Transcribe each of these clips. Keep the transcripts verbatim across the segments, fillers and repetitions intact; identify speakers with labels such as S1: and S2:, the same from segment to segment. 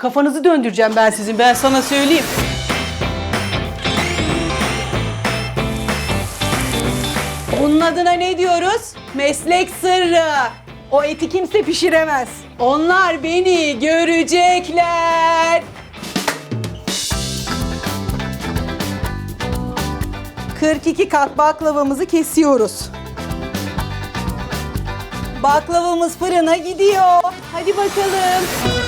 S1: Kafanızı döndüreceğim ben sizin. Ben sana söyleyeyim. Bunun adına ne diyoruz? Meslek sırrı. O eti kimse pişiremez. Onlar beni görecekler. kırk iki kat baklavamızı kesiyoruz. Baklavamız fırına gidiyor. Hadi bakalım.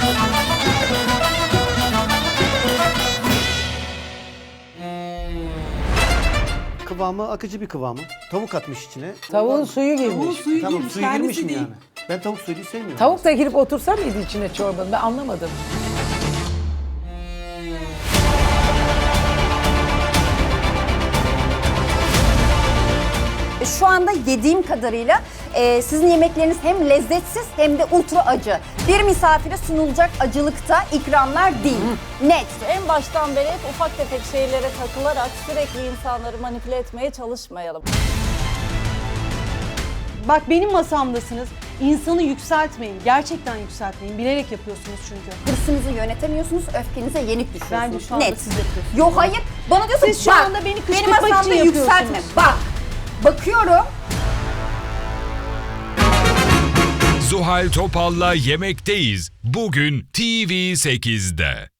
S2: Kıvamı akıcı bir kıvamı. Tavuk atmış içine.
S3: Tavuğun suyu girmiş.
S1: Suyu
S2: Tamam
S1: girmiş,
S2: suyu
S1: kendisi
S2: girmiş mi
S1: değil.
S2: yani? Ben tavuk suyunu sevmiyorum.
S3: Tavuk da girip otursa mıydı içine çorbanın? Ben anlamadım.
S4: Şu anda yediğim kadarıyla e, sizin yemekleriniz hem lezzetsiz hem de ultra acı. Bir misafire sunulacak acılıkta ikramlar değil. Net.
S5: En baştan beri hep ufak tefek şeylere takılarak sürekli insanları manipüle etmeye çalışmayalım.
S1: Bak benim masamdasınız. İnsanı yükseltmeyin. Gerçekten yükseltmeyin. Bilerek yapıyorsunuz çünkü.
S4: Hırsınızı yönetemiyorsunuz, öfkenize yenik düşüyorsunuz.
S1: Bence şu anda
S4: Net.
S1: siz yapıyorsunuz.
S4: Yok hayır. Bana diyorsun
S1: Siz şu
S4: bak,
S1: anda beni
S4: benim
S1: kışkırtmak için
S4: masamda
S1: yapıyorsunuz.
S4: yükseltme. Bak, bakıyorum.
S6: Zuhal Topal'la Yemekteyiz. Bugün T V sekizde.